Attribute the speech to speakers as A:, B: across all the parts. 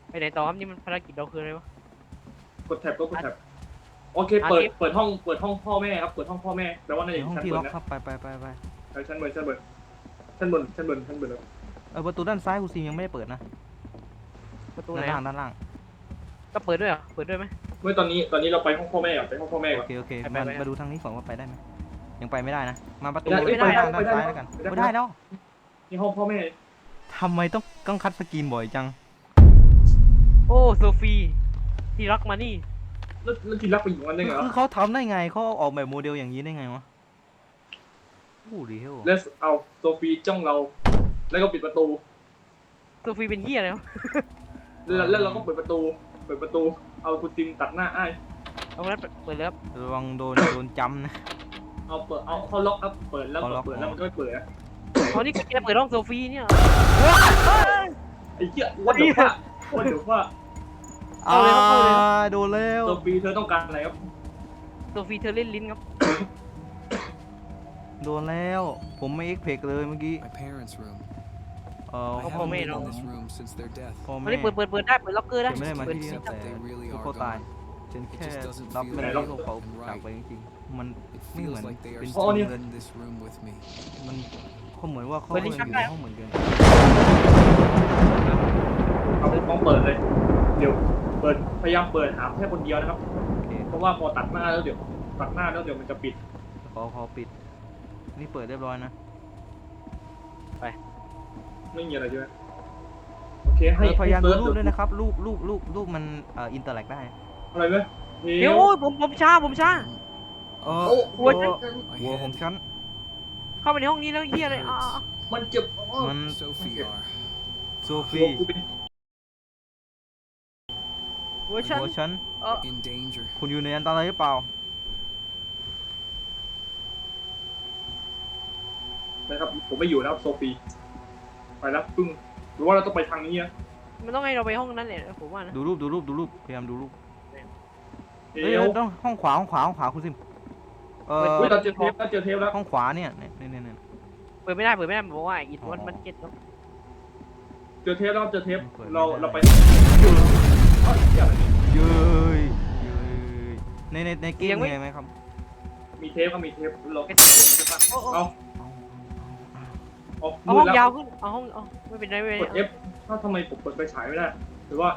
A: ไปไหนต่อครับนี่มันภารกิจเราคืออะไรวะ
B: กดแท็บก็กดแท็บโอเคเปิดห้องพ่อแม่ครับเปิดห้องพ่อแม่แปลว่าใน
C: ห้อง
B: ชั้น
C: ที่
B: บ
C: ล็อน ก
B: นะครับ
C: ไป
B: ชั้นบนแล้ว
C: ประตูด้านซ้ายคุณซิมยังไม่ได้เปิดนะ
A: ประตูไหน
C: ด้านล่าง
A: ก็เปิดด้วยเหรอเปิดด้วยไหม
B: เมื่อตอนนี้เราไปห้องพ่อแม่ก่อนไปห้องพ่อแม่ก่อน
C: โอเค
A: ไป
C: มาดูทางนี้ก่อนว่าไปได้ไหมยังไปไม่ได้นะมาประตู
B: ไม่ได้
C: ด้านซ้ายแล้วกันไม่ได้แล้ว
B: นี่ห้องพ่อแม่
C: ทำไมต้องคัดสกรีนบ่อยจัง
A: โอ้โซฟีที่รักมานี่
B: แล้วทีรักไปอยู่วันนึงเหรอ
C: คือเขาทำได้ไงเขาออกแบบโมเดลอย่างนี้ได้ไงวะโอ้ดีเฮล
B: แล้วเอาโซฟีจ้องเราแล้วก็ปิดประตู
A: โซฟีเป็นเหี้ยอะไรวะ
B: แล้วเราก็เปิดประตูเอาคุณติมตัดหน้าอ้าย
A: เอางั้นเปิดเลยครับ
C: ระวังโดนจำนะ
B: เอาเขาล็อกอัพเปิดแล้วเปิดแล้วมันก็ไม่เปิดนะ
A: เอานี่แกเปิดห้องโซฟีเนี่ย
B: ไอ้เหี้ยวันเดี๋ยวว่า
C: โดนแล้ว
B: โซฟีเธอต้องการอะไรครับ
A: โซฟีเธอเล่นลิ้นครับ
C: โดนแล้วผมไม่เอ็กเพกเลยเมื่อกี้
D: My parents' room.
C: เออ
D: I
A: พ่อ
D: haven't
A: แม่
D: been
A: เนาะ
D: in this room since their death.
C: พ่อ
A: อั
C: แม่
A: นนี้เปิดได้เปิดล็อกเกอร์ได้
C: ไม่ได้มา
A: เปิด
C: ที่
D: Except
C: แต่
D: that they really
C: ลูก
D: are
C: เขาตาย
D: gone.
C: ฉันแค่
D: It just doesn't
C: รับ
D: feel
C: ไม่ได้
D: right
C: ที่เขา
D: and
C: จากไป
D: right.
C: จริงๆมัน
D: It
C: ไม่เหมือ
D: feels
C: น
D: like they are
C: เป็น
D: still
C: จริง
D: in this room with me.
C: มันเขาเหมือนว่าเขา
A: เปิด
C: อ
A: ลิ้
C: ยู่
A: นชัก
C: ใน
A: ได้
C: ห้องเหมือนกัน
B: เอาต้องเปิดเลยเดี๋ยวพยายามเปิดหาแค่คนเดียวนะครับ
C: โอเค
B: เพราะว่าพอตัดหน้าแล้วเดี๋ยวมันจะปิด
C: ขอปิดนี่เปิดเรียบร้อยนะ
B: ไม่มีอะไรใช่ไหมโอเคให้
C: พยายามดู
B: เซิร์ช
C: รูปด้วยนะครับรูปมันอินเตอร์แลกได้
B: อะไรไหม
A: เดี๋ยวโอ้ยผมช้า
C: หัวของฉัน
A: เข้าไปในห้องนี้แล้วเหี้ยอะไรอ่ะ
B: มันเจ็บ
C: มัน
D: Sophie are.
C: โซ
B: หั
C: ฟี
B: วกูเป็น
A: เวอร์ชัน
C: หัวฉัน
D: In danger.
C: คุณอยู่ในอันตรายหรือเปล่า
B: นะครับผมไม่อยู่แล้วโซฟีไปแล้วปึ้งหรือว่าเราต้องไปทางนี้นะ
A: มันต้องให้เราไปห้องนั้นแหละผมว่านะ
C: ดูรูปพยายามดูรูป
B: เอ
C: เฮ้ยว ต้องห้องขวาคุณซิม
B: อุ้ยเราเจอเทปแล้ว
C: ห้องขวาเนี่ย
A: เปิดไม่ได้บอกว่าอิดมันเก็ตครับ
B: เจอเทปเราไป
C: เย้ยในเกมมีไหมครับ
B: มีเทปเราเอา
A: เอาห้องยาวขึ้นเอาห้องไม่เป็นไร
B: กด F ถ้าทำไมผมเปิดไฟฉายไม่ได้หรือว่า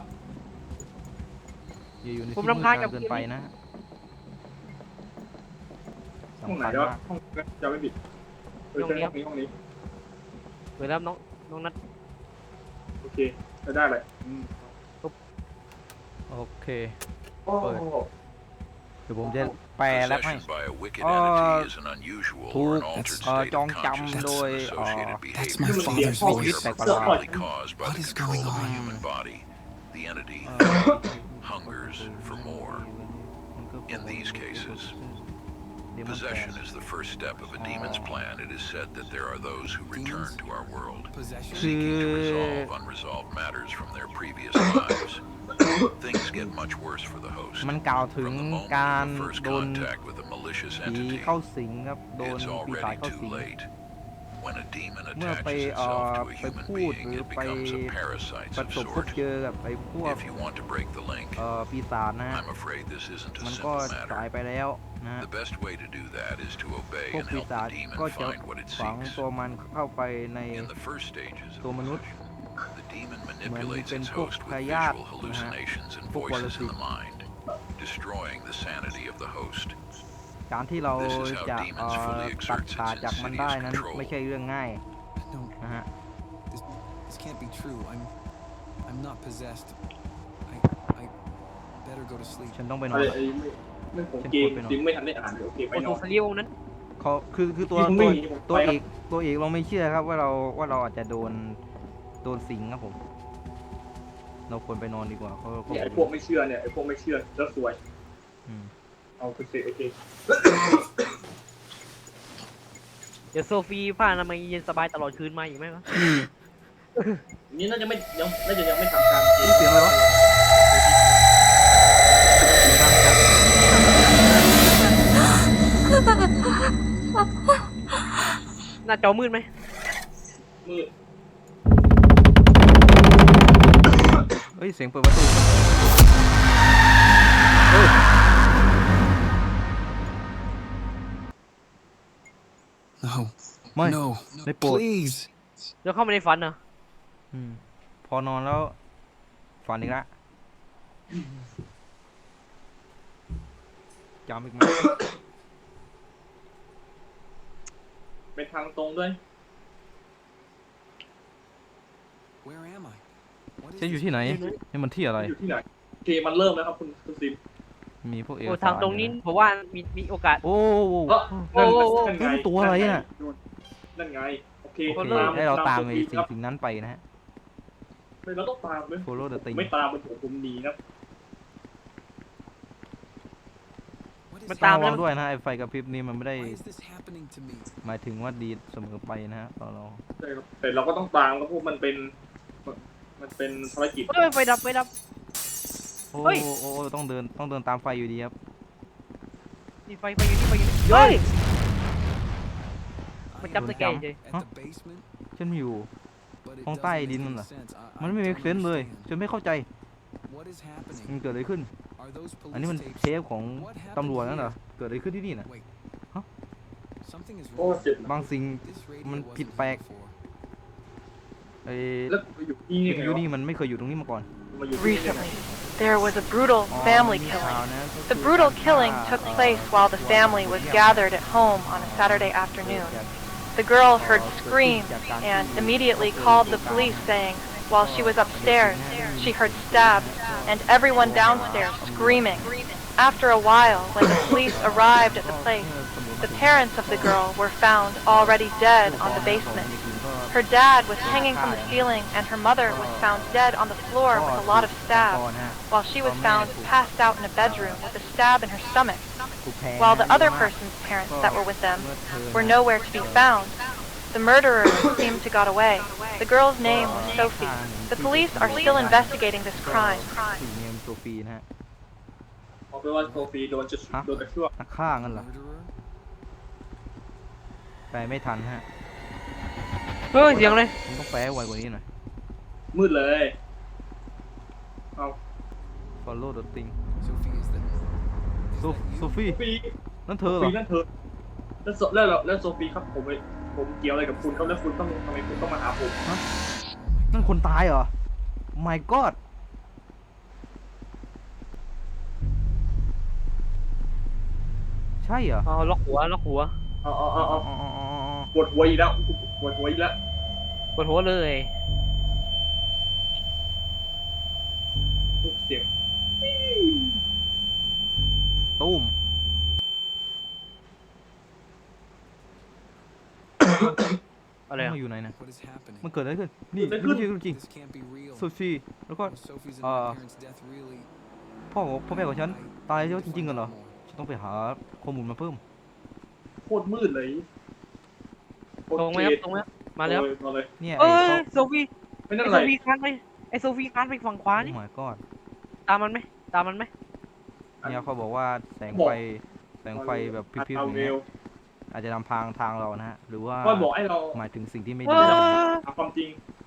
C: อย่าอยู่ใน
A: ผม
C: ที่มื
A: รำคาญกับ
C: ดเกินไปนะ
B: ห้องไหนวะห้องจะไม่ปิดใช่ห้องนี้
A: เปิดแล้วน้องนัด
B: โอเคจะได้เลย
C: โอเค
B: โอ้
C: เดี๋ยวผมจะแปลแล้วให้
E: Possession by a wicked entity is an unusual
C: ถู
E: or
C: ก
E: an altered state
C: จอง
E: of
C: จำโดย
E: consciousness and associated
D: That's
E: behavior
D: my father's
E: which
D: voice.
E: are probably caused by
D: What
E: the
D: is
E: control
D: going
E: of the
D: on?
E: human body. The entity hungers for more. In these cases, possession is the first step of a demon's plan. It is said that there are those who return to our world,
D: Possession.
E: seeking to resolve unresolved matters from their previous lives. Things get much worse for the host.
C: มันกล่าวถึง
E: From the moment
C: การ
E: of the first
C: โดน
E: contact with a malicious
C: ผี
E: entity,
C: เข้าสิงครับโดน
E: it's
C: ปีศาจ
E: already
C: เข้า
E: too
C: สิง
E: late. When a demon
C: เมื่อไป
E: attaches itself to a
C: ไป
E: human
C: พูด
E: being,
C: หรือ
E: it
C: ไป
E: becomes a parasite
C: ประ
E: of
C: สบพบ
E: sort.
C: เจอกับไอ้พวก
E: If you want to break the link,
C: ปีศาจนะฮะ
E: I'm afraid this isn't a
C: มันก็
E: simple
C: สาย
E: matter.
C: ไปแล้วนะฮะ
E: The best way to do that is to obey
C: พวก
E: and
C: ปี
E: help
C: ศาจ
E: the demon
C: ก็จะ
E: find what it
C: ฝัง
E: seeks.
C: ตัวมันเข้าไปใน
E: In the first stages of
C: ตัวมนุษย์
E: possession, the demon
C: เหมือน
E: manipulates
C: เป็น
E: its
C: พวก
E: host
C: พ
E: with
C: ยาธิ
E: visual
C: นะฮะ
E: hallucinations and
C: พวกปร
E: voices
C: สิ
E: in
C: ต
E: the mind, destroying the sanity of the host.
C: การที่เรา
E: This is how
C: จะ
E: demons fully
C: ตัด
E: exerts
C: ขาด
E: its
C: จากมันได้
E: insidious
C: นั้น
E: control.
C: ไม่ใช่เรื่องง่าย
D: No,
C: นะฮะ
D: this can't be true. I'm not possessed. I better go to sleep.
C: ฉันต้องไปน
B: อะ
C: อน
B: ไร
C: ละ
B: เรื่องของเกมจริงไม่ทันได้อ่านโอเคไป
A: โอ้
B: น
A: โห
B: อน
A: สลีวนั้น
C: เขาคือตัว
B: ผมไม่มีผม
C: ตัว
B: ไป
C: เอ
B: ครับ
C: กเราไม่เชื่อครับว่าเราอาจจะโดนสิงครับผม เราควรไปนอนดีกว่าเขา
B: เนี่ยไอ้พวกไม่เชื่อเนี่ยไอ้พวกไม่เชื่อแล้วสวย
C: อืม
B: เอาโอเค
A: เดี๋ยวโซฟีผ้าอนามัยเย็นสบายตลอดคืนมาอีกไหมวะ
B: นี่น่าจะยังไม่ทำการ
C: นี่เสียงอะไรวะเสียงดังจัด
A: หน้าจอมืดไหม
B: มืด
C: เฮ้ยเสียงเปิดประตูเฮ้ย
D: No.
C: ไม่
D: No.
C: ได้โปรด
D: Please.
A: เดี๋ยวเข้ามาในฝันเหรอ
C: พอนอนแล้วฝันอีกละจำอีกไหม
B: เป็นทางตรงด้วย
D: Where am I? What is
C: ฉันอยู่
D: this
C: ที่ไหน
D: place?
C: นี่มันที่อะไร
B: อยู่ที่ไหนโอเคมันเริ่มแล้วครับคุณซิม
C: มีพวกเอ
A: โอ้
C: กสาร
A: ทางตรงนี้ผมว่ามีโอกาส
C: โอ้โห
B: เออ
A: โอ้
B: นั่นไง
C: ตัวอะไรน่ะ
B: นั่นไงโอเค
C: โอเค
B: ตาม
C: ให้เราตาม
B: โซ
C: ไอ้
B: ฟี
C: สิ่
B: ครับ
C: งนั้นไปนะฮะ
B: เราต้องตามเลย
C: follow the thing
B: ไม่ตามผมหนีนะ
D: What is
A: มัน
D: it?
A: ตาม
C: ระ
A: แล้
C: วั
A: ว
C: งด้วยนะไอ้ไฟกระพริบนี่มันไม่ได้
D: Why is this happening to me?
C: หมายถึงว่าดีเสมอไปนะฮะตอนเรา
B: ใช่ครับแต่เราก็ต้องตามครับเพราะมันเป็นภารกิจ
A: เฮ้ยไฟดับไฟดับ
C: โอ้
A: เฮ้ย
C: โอ้ต้องเดินตามไฟอยู่ดีครับ
A: นี่ไฟอยู่นี่ไฟอยู่นี่เฮ้ย มัน
D: I
A: จับ
D: am
A: ตะแกรงเฉย
D: at the basement,
C: ฉันอยู่
D: but it
C: ห้องใต้
D: doesn't
C: ดิน
D: make
C: นั่น
D: any
C: เหรอ
D: sense. I
C: มันไม่
D: don't
C: มีเซนเลย
D: understand.
C: ฉันไม่เข้าใจ
D: What is happening?
C: มันเกิดอะไรขึ้น
D: Are those
C: อันนี้มัน
D: police
C: เท
D: tapes?
C: ปของตำรวจนั่นเหรอ เกิดอะไรขึ้นที่นี่น่ะ
D: Wait.
C: Huh?
D: Something is
B: โอ้
D: wrong.
B: เจ็บนะ
C: บางสิ่ง
D: This
C: มัน
D: radio
C: ผิด
D: wasn't
C: แปล
D: here
C: ก
D: before.
C: ไอ้
B: แล้วผมไปอยู่ที่นี่
C: วิท
B: ไง
C: ยุ
B: วะ
C: นี่มันไม่เคยอยู่ตรงนี้มาก่อน
B: มาอยู่ที่นี่ได้ไง
F: Recently, there was a brutal
C: อ๋อ
F: family
C: มี
F: killing.
C: ข่าวนะก็คือ
F: The brutal
C: การ
F: killing
C: ฆ่า
F: took place while the family was
C: เอ่อ
F: gathered at home on a Saturday
C: เกิด
F: afternoon.
C: จาก
F: The girl heard screams and immediately called the police, saying while she was upstairs, she heard stabs and everyone downstairs screaming. After a while, when the police arrived at the place, the parents of the girl were found already dead on the basement. Her dad was hanging from the ceiling and her mother was found dead on the floor with a lot of stabs, while she was found passed out in a bedroom with a stab in her stomach, while the other person's parents that were with them were nowhere to be found. The murderer seemed to got away. The girl's name was Sophie. The police are still investigating this crime.
C: ผู้หญิงเนี่ยโซฟีนะฮะ
B: เอาไปนว่าโซฟีโดนกระเชือก
C: นักฆ่างั้นเหรอ
D: Murderer?
C: แปลไม่ทันฮะ
A: เฮ้ยเสียงเลย
C: มันต้องแปลให้ไวกว่านี้หน่อย
B: มืดเลยเอา
C: follow the thing
D: Sophie, is that
C: โซฟี
B: โซฟี
C: นั่นเธ
B: โซ
C: อเหร
B: ฟี
C: อ
B: นั่นเธอแล้วโซฟีครับผมเกี่ยวอะไรกับคุณครับแล้วคุณต้องทำไมคุณต้องมาหาผม
C: นั่นคนตายเหรอ my god ใช่เหรอ
A: อ๋อล็อกหัว
B: เอา
C: อ๋ออ๋ออ๋ออ๋อ
B: ปวดหัวอีกแล้วปวดหัวอีกแล้ว
A: ปวดหัวเลย
B: เสียง
C: ตุ้ม
A: อะไรอะ
C: มาอยู่ไหนนะ
D: what is happening?
C: มันเกิดอะไรขึ้น นี่ไม่ใช่เรื่องจริง
D: This can't be real.
C: โซฟีแล้วก็
D: Was Sophie's and my parents' death really?
C: พ่อแม่ของฉัน ตายแล้วจริงๆกันเหรอ
D: More.
C: ฉันต้องไปหาข้อมูลมาเพิ่ม
B: โคตรมืดเลยโคต
A: ตรงไหม
B: เก
A: ครับ
B: ลียด
A: ตรงไหมมาแล้ว
B: มาเลย
C: เนี่ย
A: เอ้
C: ไอ้
A: ยโซฟี
B: ไม่นั่น
A: ไอ
B: อะไร
A: โซฟีคานไปไอโซฟีคานไปฝั่งขวา
C: โอ้
A: นี่
C: my god
A: ตามมันไหมตามมันไหม
C: เนี่ยเขาบอกว่าแสงไฟแบบพริบๆ
B: เอา
C: อย่าง
B: เร็
C: เงี้ยว อาจจะนำทางเรานะฮะ หรือว่า
B: ก็บอกให้เรา
C: หมายถึงสิ่งที่ไม่
A: เอ
C: ดี
A: อ
B: หาความจริง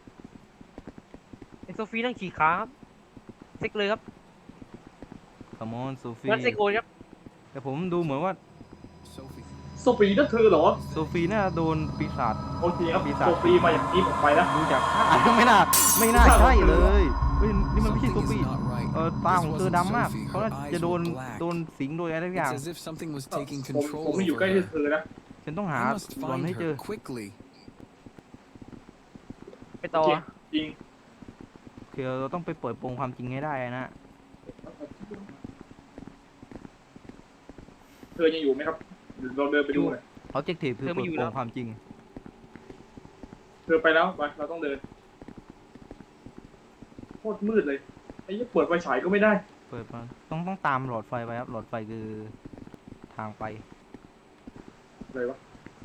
A: ไอโซฟีนั่งขี่ขาครับเซ็กเลยครับ
C: Come on โซฟี
A: งั้นเซ็กโอนครับ
C: แต่ผมดูเหมือนว่า
D: Sophie.
B: โซฟีนั่นเธอเหรอ
C: โซฟีน่าโดนปีศาจ
B: โอเคครับ
C: ปีศาจ
B: โซฟีมาอย่างนี้ผมไปแล้ว
C: ดูจากท่า ไม่น่าใช่เลยเฮ้ยนี่มันไม่ใช่โซ
D: Something
C: ฟี
D: is not right.
C: ตาของเธอ
D: This
C: ดำมาก
D: wasn't Sophie.
C: เขาน่า
D: Her eyes
C: จะโดน
D: were black.
C: สิงโดยอะไรสักอย่าง
D: It's as if something was taking
B: ผม
D: control
B: ไม่อยู่
D: over
B: ใกล้ที่
D: her.
B: เธอนะ
C: ฉันต้องหา
D: I must
C: บอล
D: find
C: ให้เจอ
D: her quickly.
A: ไปต่อ
B: โอเค จริง
C: คือเราต้องไปเปิดโปงความจริงให้ได้นะ
B: เธอยังอยู่ไหมครับเดี๋ยวเราเดินไปดูหน่อย
C: objective คือเปิดโปงความจริง
B: เธอไปแล้วไปเราต้องเดินโคตรมืดเลยไอ้ยี่เปิดไฟฉายก็ไม่ได้
C: เปิดมาต้องตามหลอดไฟไปครับ หลอดไฟคือทางไป
B: อะไรวะ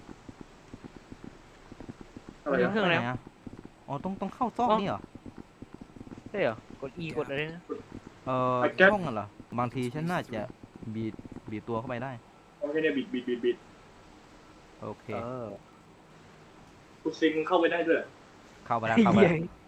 B: อะไร
A: เครื่อง
B: นะ
A: อะไร
C: หนอะอ๋อต้องเข้าซอกนี่เหรอ
A: ใช่เหรอกด E กดอะไรนะ
C: ช่องกันเหรอ บางทีฉันน่าจะบีบตัวเข้าไปได้
B: โอเคเนี่ยบิด
C: โอเค
A: เออ
B: คุณซิงเข้าไปได้ด้วย
C: เข้าไปแล้ว
A: เหี้
C: เข้าไป
A: ย
C: แล้ว